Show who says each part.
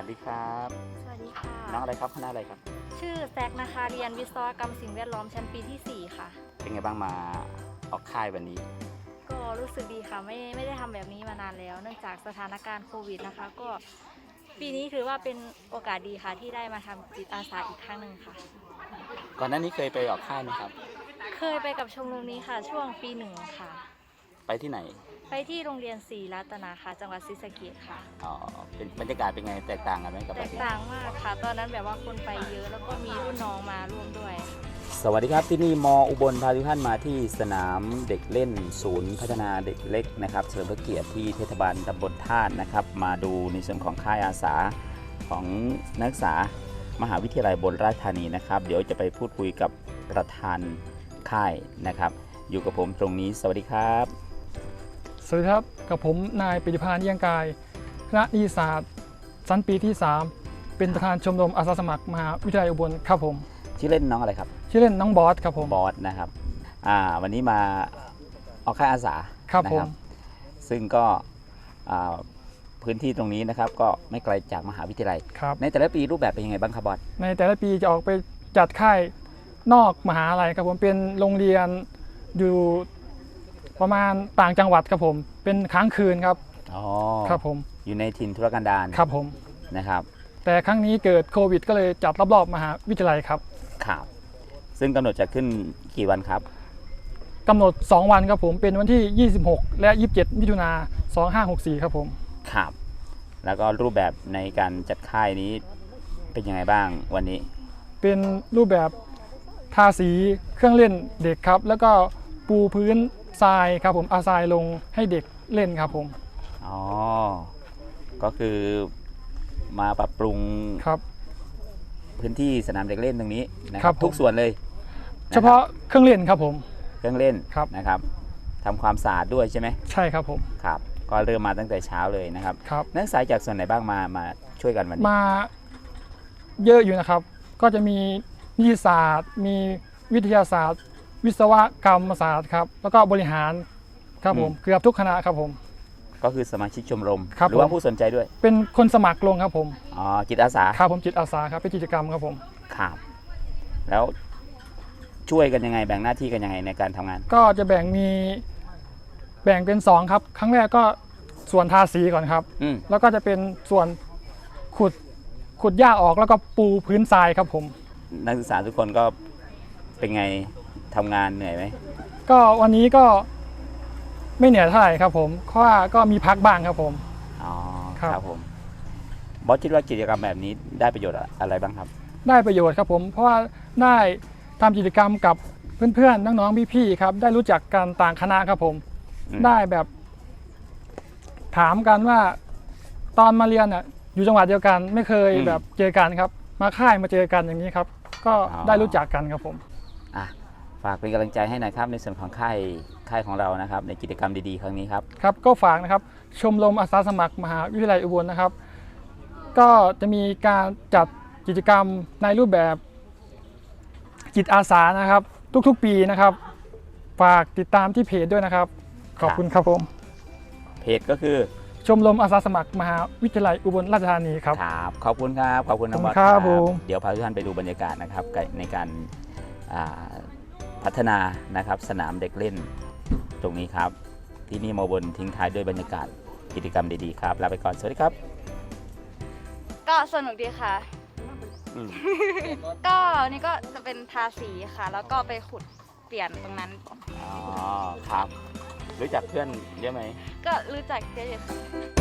Speaker 1: ดีครับ
Speaker 2: สวัสดีค่ะ
Speaker 1: น้องอะไรครับคณะอะไรครับ
Speaker 2: ชื่อแซกนะคะเรียนวิศวกรรมสิ่งแวดล้อมชั้นปีที่ 4 ค่ะ
Speaker 1: เป็นไงบ้างมาออกค่ายวันนี้
Speaker 2: ก็รู้สึกดีค่ะไม่ได้ทำแบบนี้มานานแล้วเนื่องจากสถานการณ์โควิดนะคะก็ปีนี้ถือว่าเป็นโอกาสดีค่ะที่ได้มาทำจิตอาสาอีกครั้งหนึ่งค่ะ
Speaker 1: ก่อนหน้านี้เคยไปออกค่ายไหมครับ
Speaker 2: เคยไปกับชมรมนี้ค่ะช่วงปี 1ค่ะ
Speaker 1: ไปที่ไหน
Speaker 2: ไปที่โรงเรียนศรีรัตนาค่ะจังหวัดศรีสะเกษค่ะ
Speaker 1: อ๋อเป็นบรรยากาศเป็นไงแตกต่างกันไหมกับ
Speaker 2: แต
Speaker 1: แบบ
Speaker 2: ก
Speaker 1: นี้
Speaker 2: ต่างมากค่ะตอนนั้นแบบว่าคนไปเยอะแล้วก็มีรุ่นน้องมาร่วมด้วย
Speaker 1: สวัสดีครับที่นี่มอุบลพาทุกท่านมาที่สนามเด็กเล่นศูนย์พัฒนาเด็กเล็กนะครับเฉลิมพระเกียรติที่เทศบาลตำบลธาตุนะครับมาดูในส่วนของค่ายอาสาของนักศึกษามหาวิทยาลัยอุบลราชธานีนะครับเดี๋ยวจะไปพูดคุยกับประธานค่ายนะครับอยู่กับผมตรงนี้สวัสดีครับ
Speaker 3: สวัสดีครับกับผมนายปิติพานเยี่ยงกายคณะนิติศาสตร์ชั้นปีที่ 3 เป็นประธานชมรมอาสาสมัครมหาวิทยาลัยอุบลครับผม
Speaker 1: ชื่อเล่นน้องอะไรครับ
Speaker 3: ชื่อเล่นน้องบอสครับผม
Speaker 1: บอสนะครับวันนี้มาออกค่ายอาสา
Speaker 3: ครับผม
Speaker 1: ซึ่งก็พื้นที่ตรงนี้นะครับก็ไม่ไกลจากมหาวิทยาลัยในแต่ละปีรูปแบบเป็นยังไงบ้างครับบอส
Speaker 3: ในแต่ละปีจะออกไปจัดค่ายนอกมหาลัยครับผมเป็นโรงเรียนอยู่ประมาณต่างจังหวัดครับผมเป็นค้างคืนครับครับผม
Speaker 1: อยู่ในถิ่นทุรกันดาร
Speaker 3: ครับผม
Speaker 1: นะครับ
Speaker 3: แต่ครั้งนี้เกิดโควิดก็เลยจัดรอบๆมหาวิทยาลัยครับ
Speaker 1: ครับซึ่งกำหนดจะขึ้นกี่วันครับ
Speaker 3: กำหนด2วันครับผมเป็นวันที่26และ27มิถุนายน2564ครับผม
Speaker 1: ครับแล้วก็รูปแบบในการจัดค่ายนี้เป็นยังไงบ้างวันนี้
Speaker 3: เป็นรูปแบบทาสีเครื่องเล่นเด็กครับแล้วก็ปูพื้นทรายครับผมเอาทรายลงให้เด็กเล่นครับผม
Speaker 1: อ๋อก็คือมาปรับปรุง
Speaker 3: ครับ
Speaker 1: พื้นที่สนามเด็กเล่นตรงนี้นะครับทุกส่วนเลย
Speaker 3: เฉพาะเครื่องเล่นครับผม
Speaker 1: เครื่องเล่นนะครับทำความสะอาดด้วยใช่ไหม
Speaker 3: ใช่ครับผม
Speaker 1: ครับก็เริ่มมาตั้งแต่เช้าเลยนะครับ
Speaker 3: ครับ
Speaker 1: นักศึกษาจากส่วนไหนบ้างมาช่วยกันวันนี้
Speaker 3: มาเยอะอยู่นะครับก็จะมีนิติศาสตร์มีวิทยาศาสตร์วิศวกรรมศาสตร์ครับแล้วก็บริหารครับผมเกือบทุกคณะครับผม
Speaker 1: ก็คือสมาชิกชมรมหรือว่าผู้สนใจด้วย
Speaker 3: เป็นคนสมัครลงครับผม
Speaker 1: อ๋อจิตอาสา
Speaker 3: ครับผมจิตอาสาครับเป็นกิจกรรมครับผม
Speaker 1: ครับแล้วช่วยกันยังไงแบ่งหน้าที่กันยังไงในการทำงาน
Speaker 3: ก็จะแบ่งเป็น2ครับครั้งแรกก็ส่วนทาสีก่อนครับแล้วก็จะเป็นส่วนขุดหญ้าออกแล้วก็ปูพื้นทรายครับผม
Speaker 1: นักศึกษาทุกคนก็เป็นไงทำงานเหนื่อยไหม
Speaker 3: ก็วันนี้ก็ไม่เหนื่อยเท่าไหร่ครับผมเพราะว่าก็มีพักบ้างครับผม
Speaker 1: อ๋อครับผมบอสคิดว่ากิจกรรมแบบนี้ได้ประโยชน์อะไรบ้างครับ
Speaker 3: ได้ประโยชน์ครับผมเพราะว่าได้ทำกิจกรรมกับเพื่อนๆน้องๆพี่ๆครับได้รู้จักกันต่างคณะครับผมได้แบบถามกันว่าตอนมาเรียนอยู่จังหวัดเดียวกันไม่เคยแบบเจอกันครับมาค่ายมาเจอกันอย่างนี้ครับก็ได้รู้จักกันครับผม
Speaker 1: ฝากเป็นกำลังใจให้หน่อยครับในส่วนของค่ายของเรานะครับในกิจกรรมดีๆครั้งนี้ครับ
Speaker 3: ครับก็ฝากนะครับชมรมอาสาสมัครมหาวิทยาลัยอุบลนะครับก็จะมีการจัดกิจกรรมในรูปแบบจิตอาสานะครับทุกๆปีนะครับฝากติดตามที่เพจด้วยนะครับขอบคุณครับผม
Speaker 1: เพจก็คือ
Speaker 3: ชมรมอาสาสมัครมหาวิทยาลัยอุบลราชธานีครับ
Speaker 1: ครับขอบคุณครับขอบคุณน้องบอส
Speaker 3: ครับ
Speaker 1: เดี๋ยวพาทุกท่านไปดูบรรยากาศนะครับในการพัฒนานะครับสนามเด็กเล่นตรงนี้ครับที่นี่มอบนทิ้งท้ายด้วยบรรยากาศกิจกรรมดีๆครับลาไปก่อนสวัสดีครับ
Speaker 2: ก็สนุกดีค่ะก็นี่ก็จะเป็นทาสีค่ะแล้วก็ไปขุดเปลี่ยนตรงนั้น
Speaker 1: อ๋อครับรู้จักเพื่อนเยอะไหม
Speaker 2: ก็รู้จักเยอะอยู่ค่ะ